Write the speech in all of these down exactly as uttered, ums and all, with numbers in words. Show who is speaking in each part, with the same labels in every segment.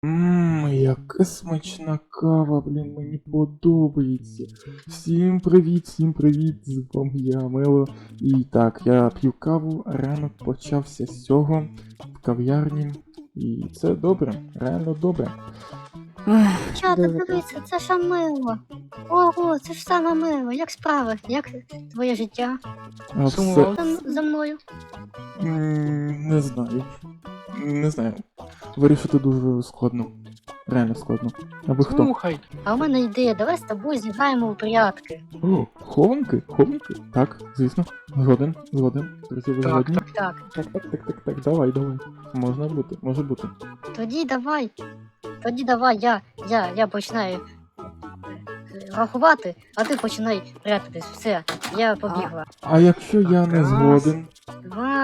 Speaker 1: Ммм, яка смачна кава, блін, мені подобається. Всім привіт, всім привіт, з вами я, Мело. І так, я п'ю каву, ранок почався з цього в кав'ярні. І це добре, реально добре.
Speaker 2: Чата, дивися, це ж мило. Ого, це ж саме мило. Як справи? Як твоє життя?
Speaker 1: А все,
Speaker 3: Сумував?
Speaker 2: Там за мною.
Speaker 1: м, не знаю. Не знаю. Вирішити дуже складно. Реально складно. А ви хто?
Speaker 3: Слухай,
Speaker 2: А у мене ідея, давай з тобою зіграємо у прятки.
Speaker 1: О, хованки? Хованки? Так, звісно. Згоден, згоден. Друзі, ви
Speaker 3: Так,
Speaker 1: згодні?
Speaker 2: Так,
Speaker 1: Так, так, так, так, так, давай, давай. Можна бути, може бути.
Speaker 2: тоді давай. Тоді давай, я, я, я починаю е, рахувати, а ти починай прятатись. Все, я побігла.
Speaker 1: А якщо я не
Speaker 3: Раз.
Speaker 1: згоден?
Speaker 2: Два.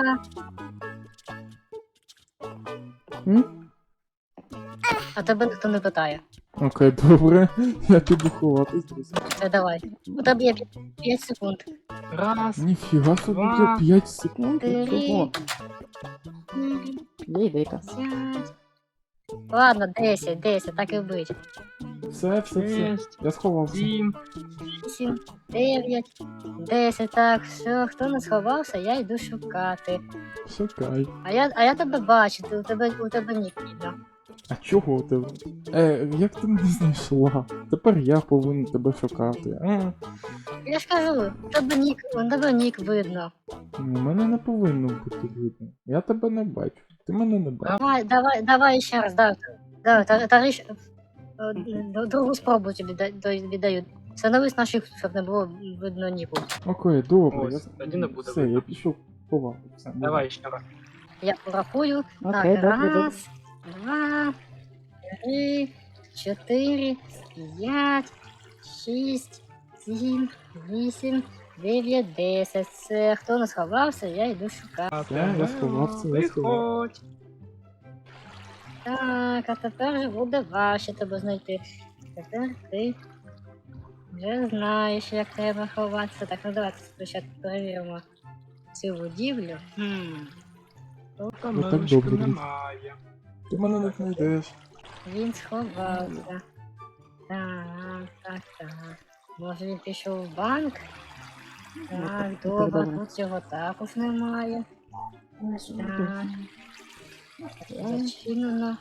Speaker 1: М?
Speaker 2: А тебе ніхто не питає.
Speaker 1: Окей, добре. Я піду ховатись, друзі.
Speaker 2: Все, давай. У тебе є п'ять секунд.
Speaker 3: раз,
Speaker 1: Ніфіга собі,
Speaker 3: Два.
Speaker 1: я п'ять секунд.
Speaker 2: Три.
Speaker 1: Чого?
Speaker 2: Чотири. П'ять. Ладно, десять, десять, так і бить.
Speaker 1: Все, все, все.
Speaker 3: шість,
Speaker 1: Я сховався.
Speaker 3: сім.
Speaker 2: Вісім, дев'ять, десять, так, все, хто не сховався, я йду шукати.
Speaker 1: Шукай.
Speaker 2: А я, а я тебе бачу, ти, у тебе, у тебе нік відео.
Speaker 1: А чого у тебе? Е, як ти мене знайшла? Тепер я повинен тебе шукати. А,
Speaker 2: Я ж кажу, у тебе нік, у тебе нік видно.
Speaker 1: ну, мене не повинно бути видно. Я тебе не бачу. Ти мене не бачиш.
Speaker 2: Давай, давай, давай ще раз, давай, давай, та, та, річ, е, д- другу спробу тобі да- до- віддаю. Становись на шифт, щоб не було видно ніку.
Speaker 1: Окей, добре.
Speaker 3: Ось,
Speaker 1: я...
Speaker 3: тоді не буде
Speaker 1: Все,
Speaker 3: видно.
Speaker 1: я пішов ховати. Все,
Speaker 3: Давай ще раз.
Speaker 2: Я порахую.
Speaker 4: Окей,
Speaker 2: Так,
Speaker 4: добре, добре.
Speaker 2: раз, два, три, чотири, п'ять, шість, сім, вісім, дев'ять, десять. Все, хто не сховався, я йду шукати.
Speaker 1: Все, я сховався, я сховався.
Speaker 3: Виходь.
Speaker 2: Так, а тепер вже буде важче тебе знайти. Тепер ти вже знаєш, як треба ховатися. Так, ну давайте спочатку перевіримо цю будівлю.
Speaker 3: Хм.
Speaker 1: Ну, так
Speaker 3: Камерочки
Speaker 1: добре.
Speaker 3: немає.
Speaker 1: Ти мене не знайдеш.
Speaker 2: Він сховався. Так, так, так. Може він пішов в банк? Так, добре,
Speaker 4: добре.
Speaker 2: тут цього також немає. Так. Зачинено.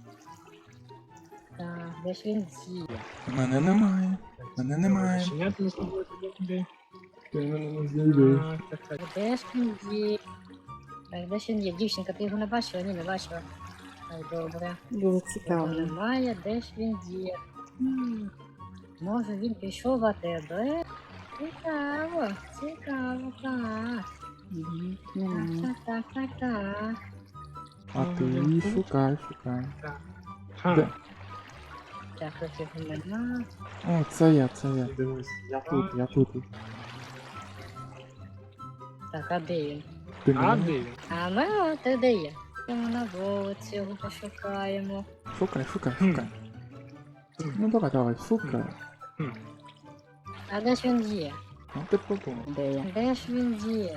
Speaker 2: Так, де ж він діє?
Speaker 1: Мене немає. Мене немає.
Speaker 3: Зачиняти не зможу тобі.
Speaker 1: Ти мене не знайдеш.
Speaker 3: Так, так, так.
Speaker 2: Де ж він є? Так, де ж він є? Дівчинка, ти його не бачила? Ні, не бачила. Так, добре.
Speaker 4: Дуже
Speaker 2: Його
Speaker 4: цікаво.
Speaker 2: немає, де ж він є? Хм, може він пішов в АТБ? Цікаво, цікаво, так.
Speaker 4: Мгм,
Speaker 2: Так,
Speaker 4: немає.
Speaker 2: так, так, так, так.
Speaker 1: А ти шукай, шукай.
Speaker 3: Хм.
Speaker 1: Де?
Speaker 2: Так, тут його нема.
Speaker 1: О, це я, це я. Дивись. Я тут, я тут.
Speaker 2: Так, а де він?
Speaker 1: Ти
Speaker 3: А
Speaker 1: мене?
Speaker 3: де він?
Speaker 2: А ми от ти де є? Йдемо на вулицю, його пошукаємо.
Speaker 1: Шукай, шукай,
Speaker 3: Хм.
Speaker 1: шукай. Ну давай, давай, шукай.
Speaker 2: А де ж він є?
Speaker 1: Ну ти подумай.
Speaker 4: Де я?
Speaker 2: Де ж він є?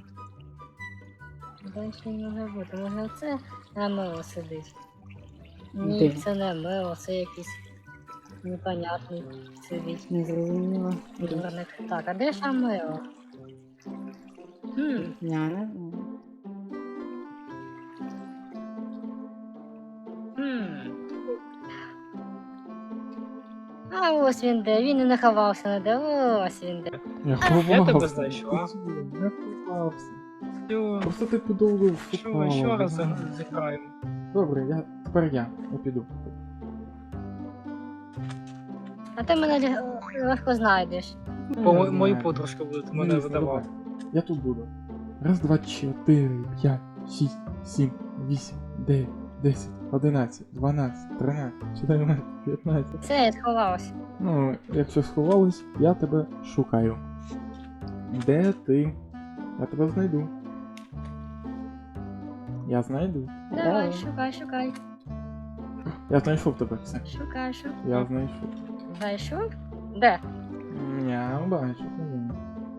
Speaker 2: Де ж він може бути? Може оце на мило сидить? Ні,
Speaker 4: Де?
Speaker 2: це не мило, це якийсь непонятний сидить.
Speaker 4: Не зрозуміла.
Speaker 2: Дурник. Так, а де ж Амело? Хм,
Speaker 4: Я не знаю.
Speaker 2: хм. А ось він де, він і не ховався не де, ось він де.
Speaker 1: Я
Speaker 3: Я
Speaker 1: ховався.
Speaker 3: тебе знайшла.
Speaker 1: Я ховався.
Speaker 3: Всьо.
Speaker 1: Просто ти подовго
Speaker 3: Що,
Speaker 1: шукала.
Speaker 3: ще раз
Speaker 1: да.
Speaker 3: зіграємо.
Speaker 1: Добре, я тепер я. Я піду.
Speaker 2: А ти мене лі- легко знайдеш.
Speaker 3: Бо
Speaker 1: Не
Speaker 3: мо- мої
Speaker 1: знаю.
Speaker 3: подружки будуть мене
Speaker 1: Звісно,
Speaker 3: видавати.
Speaker 1: давай. Я тут буду. Раз, два, чотири, п'ять, шість, сім, вісім, дев'ять, десять, одинадцять, дванадцять, тринадцять, чотирнадцять, п'ятнадцять.
Speaker 2: Це я сховався.
Speaker 1: Ну, якщо сховались, я тебе шукаю. Де ти? Я тебе знайду. Я знайду.
Speaker 2: Давай,
Speaker 4: Е.
Speaker 2: шукай, шукай.
Speaker 1: Я знайшов тебе, все.
Speaker 2: Шукай, шукай.
Speaker 1: Я знайшов.
Speaker 2: Знайшов? Де?
Speaker 1: Я бачу. ні.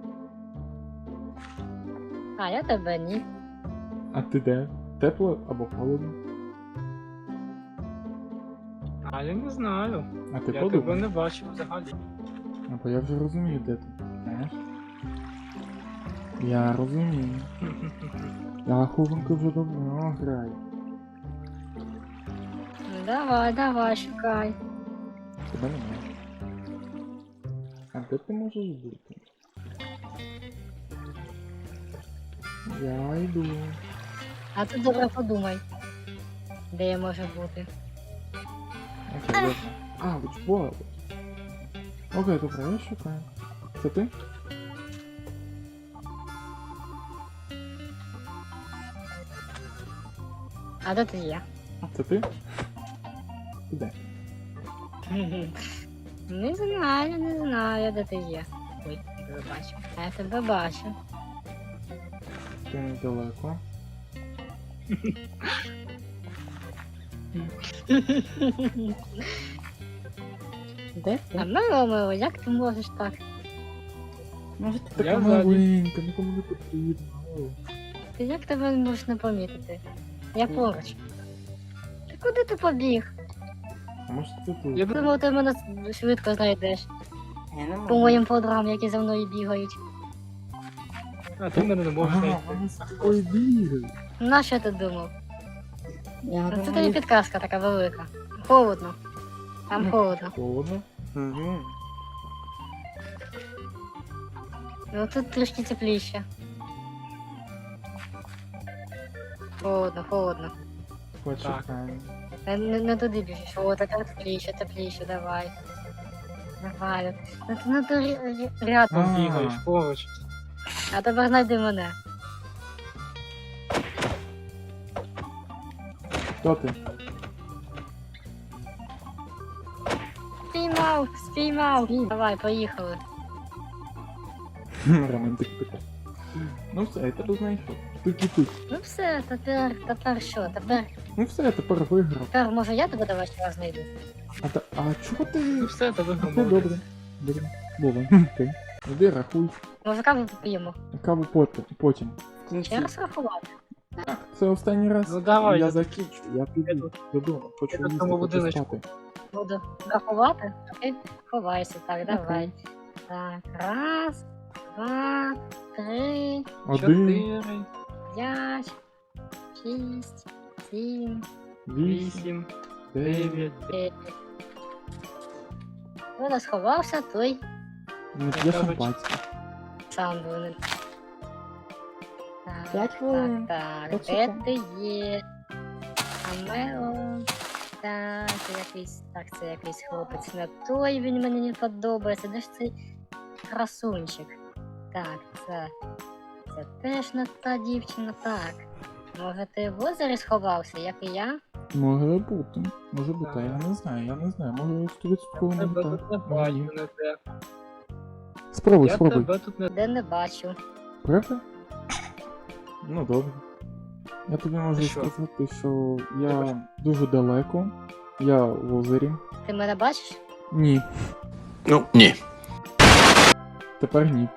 Speaker 2: А, я тебе ні.
Speaker 1: А ти де? Тепло або холодно?
Speaker 3: А я не знаю.
Speaker 1: А ти
Speaker 3: Я тебе
Speaker 1: подумай.
Speaker 3: не бачив взагалі.
Speaker 1: А бо я вже розумію, де ти. Знаєш? Я розумію. Я хованку вже давно граю.
Speaker 2: Ну давай, давай, шукай.
Speaker 1: Тебе немає. А де ти можеш бути? Я йду.
Speaker 2: А ти добре подумай, де я можу бути.
Speaker 1: Окей, добре. А, вичбола. Окей, добре, я шукаю. Це ти?
Speaker 2: А де ти є?
Speaker 1: Це ти? Ти де?
Speaker 2: Не знаю, не знаю, де ти є. Ой, я тебе бачу. А я тебе бачу.
Speaker 1: Ти недалеко.
Speaker 4: Де
Speaker 2: А
Speaker 4: ти?
Speaker 2: мило, мило, як ти можеш так?
Speaker 4: Може ти
Speaker 1: Така
Speaker 3: Я ззаді.
Speaker 1: маленька, нікому не потрібно.
Speaker 2: Ти як тебе можеш не помітити? Я поруч. Ти куди ти побіг?
Speaker 1: А може це тут?
Speaker 3: Я
Speaker 2: Думав, ти мене швидко знайдеш.
Speaker 4: Я не можу.
Speaker 2: По моїм подругам, які за мною бігають.
Speaker 3: А ти мене не можеш
Speaker 1: Ага,
Speaker 3: знайти.
Speaker 1: вони з тобою бігають.
Speaker 2: На що ти думав?
Speaker 4: Я
Speaker 2: Ну, це тобі
Speaker 4: думаю,
Speaker 2: підказка така велика. Холодно. Там
Speaker 1: Ну.
Speaker 2: холодно.
Speaker 1: Холодно? Угу.
Speaker 2: Ну тут трішки тепліше. Холодно, холодно.
Speaker 1: Почекаємо.
Speaker 2: Не, не, не туди біжиш. О, така тепліше, тепліше, давай. Давай. Ну ти ну, ти ря- ря- рядом.
Speaker 1: А.
Speaker 3: Бігаєш поруч.
Speaker 2: А тепер знайди мене.
Speaker 1: Хто ти?
Speaker 2: Спіймав, спіймав. Давай, поїхали.
Speaker 1: Романтик така. Ну все, я тебе знайшов. Тільки тут.
Speaker 2: Ну все, тепер, тепер що? Тепер,
Speaker 1: Ну все, я тепер виграв.
Speaker 2: тепер може я тебе давай ще раз знайду.
Speaker 1: А, та, а чого ти?
Speaker 3: Ну все, тебе
Speaker 1: Ну
Speaker 3: громадить.
Speaker 1: добре. Добре. Вова, окей. Іди рахуй.
Speaker 2: Може каву поп'ємо?
Speaker 1: Каву потім. потім.
Speaker 4: в кінці.
Speaker 2: Ще раз рахувати.
Speaker 1: Так, це останній раз.
Speaker 3: Ну давай,
Speaker 1: я
Speaker 3: я-
Speaker 1: закінчу, я піду додому. Хочу
Speaker 3: я в
Speaker 1: їсти,
Speaker 3: тому
Speaker 1: хочу
Speaker 3: будиночку.
Speaker 1: спати.
Speaker 2: Буду рахувати, а ти ховайся. Так, давай. Так, раз, два, три,
Speaker 1: Один,
Speaker 3: Чотири,
Speaker 2: п'ять, шість, сім,
Speaker 1: вісім,
Speaker 3: вісім,
Speaker 1: дев'ять.
Speaker 3: дев'ять.
Speaker 2: дев'ять. Хто не сховався, той
Speaker 1: Не п'є шампанське.
Speaker 2: сам буде. Так,
Speaker 4: П'ять хвилин.
Speaker 2: Так, так,
Speaker 4: П'ять
Speaker 2: де
Speaker 4: секунд.
Speaker 2: ти є? Амело. Так, це якийсь, так, це якийсь хлопець не той, він мені не подобається. Де ж цей красунчик? Так, це. Це теж не та дівчина, так. Може ти в озері сховався, як і я?
Speaker 1: Може бути. Може бути, а я не знаю, я не знаю. Може сто відсотків не
Speaker 3: Тебе
Speaker 1: так.
Speaker 3: тут не
Speaker 1: Може, ні.
Speaker 3: бачу, не те.
Speaker 1: Спробуй,
Speaker 3: Я
Speaker 1: спробуй.
Speaker 3: тебе тут не...
Speaker 2: Де не бачу.
Speaker 1: Правда? Ну добре. Я тобі можу
Speaker 3: Що?
Speaker 1: сказати, що я дуже далеко. Я в озері.
Speaker 2: Ти мене бачиш?
Speaker 1: Ні.
Speaker 5: Ну, ні.
Speaker 1: Тепер ні.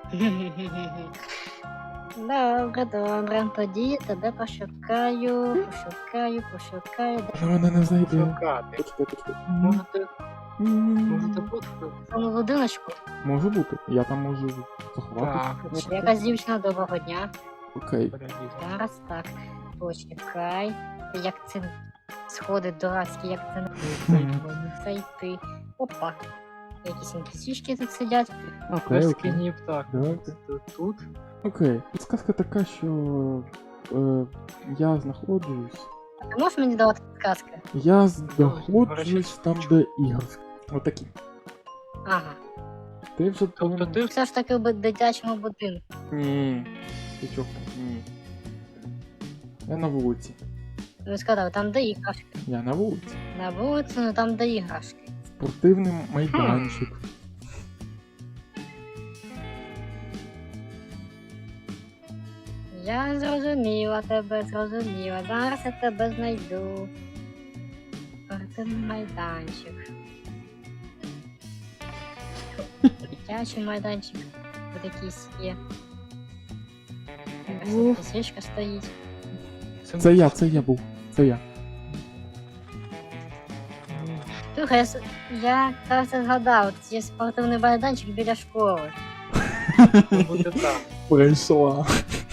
Speaker 2: Добре, добре. Тоді я тебе пошукаю, пошукаю, пошукаю. Де
Speaker 1: Вона мене не знайде.
Speaker 3: шукати.
Speaker 1: Почекай, почекай.
Speaker 3: Може ти,
Speaker 1: М,
Speaker 3: може ти тут?
Speaker 2: в цьому будиночку?
Speaker 1: Може бути. Я там можу заховатися.
Speaker 3: Так,
Speaker 2: Чи якась дівчина, доброго дня.
Speaker 1: Окей.
Speaker 3: перелізь.
Speaker 2: Зараз так. Почекай. Як це сходи дурацькі, як це не зайти. Опа. Якісь інпісішки тут сидять.
Speaker 1: Окей,
Speaker 3: Без
Speaker 1: окей.
Speaker 3: кінів так.
Speaker 1: Давайте.
Speaker 3: Тут, тут.
Speaker 1: Окей. Підсказка така, що е, я знаходжусь.
Speaker 2: А ти можеш мені давати підказки?
Speaker 1: Я знаходжусь там, де іграшки. Отакі.
Speaker 2: Ага.
Speaker 1: Ти вже
Speaker 3: Тобто
Speaker 1: повинен...
Speaker 3: ти
Speaker 2: Все ж таки в дитячому будинку.
Speaker 1: Ні. Ти чого? Ні. Я на вулиці.
Speaker 2: Ну сказав, там де іграшки.
Speaker 1: Я на вулиці.
Speaker 2: На вулиці, ну там де іграшки.
Speaker 1: Спортивний майданчик.
Speaker 2: Я зрозуміла тебе, зрозуміла. Зараз я тебе знайду. Спортивний майданчик. Дитячий майданчик. Тут якийсь є.
Speaker 1: Ух.
Speaker 2: Якась сішка стоїть.
Speaker 1: Це я, це я був. Це я.
Speaker 2: Слухай, я, с- я кажется, згадав, от є спортивний майданчик біля школи.
Speaker 3: Буде так.
Speaker 1: Прийшла.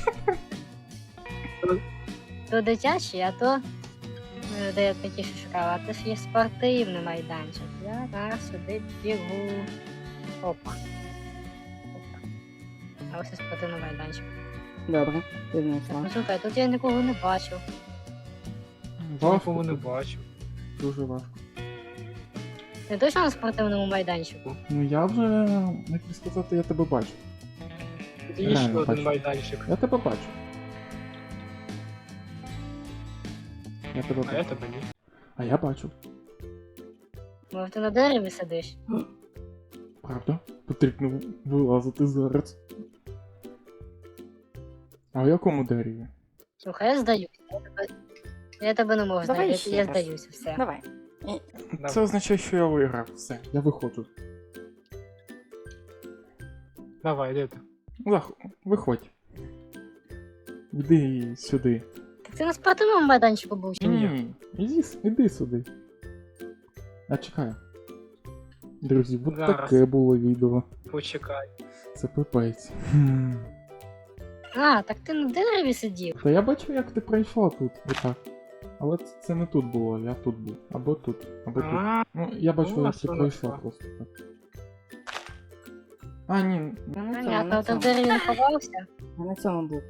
Speaker 2: То дитячий, а то е, де я такі що шукала, а то ж є спортивний майданчик. Я зараз сюди бігу. Опа. Опа. А ось і спортивний майданчик.
Speaker 4: Добре, ти знайшла.
Speaker 2: Ну слухай, тут я нікого не бачу.
Speaker 3: Нікого
Speaker 1: Важко,
Speaker 3: не
Speaker 1: тут,
Speaker 3: бачу.
Speaker 1: дуже важко.
Speaker 2: Ти точно на спортивному майданчику?
Speaker 1: Ну я вже, як би сказати, я тебе бачу.
Speaker 3: Тут є ще
Speaker 1: Реально
Speaker 3: один
Speaker 1: бачу.
Speaker 3: майданчик.
Speaker 1: Я тебе бачу. Я тебе
Speaker 3: А я
Speaker 1: бачу.
Speaker 3: тебе ні.
Speaker 1: А я бачу.
Speaker 2: Може ти на дереві сидиш?
Speaker 1: Правда? Потрібно вилазити зараз. А в якому дереві?
Speaker 2: Слухай, я здаюся. Я тебе, я тебе не можу
Speaker 4: Давай
Speaker 2: знайти,
Speaker 4: ще
Speaker 2: я
Speaker 4: раз.
Speaker 2: здаюся, все.
Speaker 4: Давай.
Speaker 1: Це означає, що я виграв. Все, я виходжу.
Speaker 3: Давай, де ти?
Speaker 1: Лах, виходь. Іди сюди.
Speaker 2: Так ти на спортивному майданчику був чи ні?
Speaker 1: Ні, іди, с- іди сюди. Я чекаю. Друзі, от
Speaker 3: Зараз.
Speaker 1: таке було відео.
Speaker 3: Почекай.
Speaker 1: Це пипець. Хм.
Speaker 2: А, так ти на дереві сидів.
Speaker 1: Та я бачив, як ти пройшла тут. Отак. Але це, це не тут було, я тут був. Або тут, або тут.
Speaker 3: А,
Speaker 1: Ну, я бачив,
Speaker 3: Ну,
Speaker 1: як ти
Speaker 3: а
Speaker 1: пройшла
Speaker 3: що
Speaker 1: просто так. А, ні,
Speaker 4: Я на цьому,
Speaker 2: Понятно,
Speaker 4: на
Speaker 2: ти в
Speaker 4: цьому.
Speaker 2: дереві не ховався.
Speaker 4: Я на цьому був.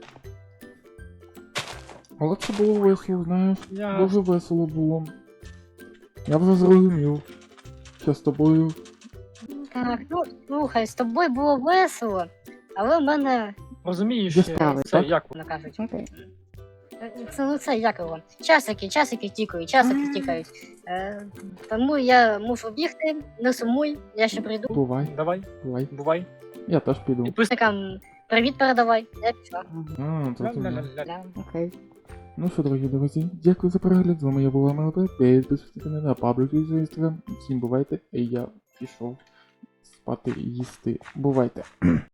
Speaker 1: але це було весело, знаєш.
Speaker 3: я...
Speaker 1: Дуже весело було. Я вже зрозумів, що з тобою.
Speaker 2: Так, ну слухай, з тобою було весело, але в мене,
Speaker 3: Розумієш,
Speaker 1: Є
Speaker 3: е,
Speaker 1: справи,
Speaker 3: це
Speaker 1: так?
Speaker 3: як
Speaker 2: воно кажуть,
Speaker 4: Окей.
Speaker 2: е, це ну це як його. Часики, часики тікають, часики тікають. Е, тому я мушу бігти, не сумуй, я ще прийду.
Speaker 1: Бувай,
Speaker 3: Давай,
Speaker 1: бувай.
Speaker 3: бувай.
Speaker 1: Я теж піду.
Speaker 2: Підписникам привіт передавай. Я пішла.
Speaker 1: А, то ти.
Speaker 3: Ля-ля-ля-ля.
Speaker 2: Да.
Speaker 4: Окей.
Speaker 1: Ну що, дорогі друзі, дякую за перегляд. З вами я була МЛП. Підписуйтесь на мене на паблік і інстаграм. Всім бувайте. І я пішов спати і їсти. Бувайте.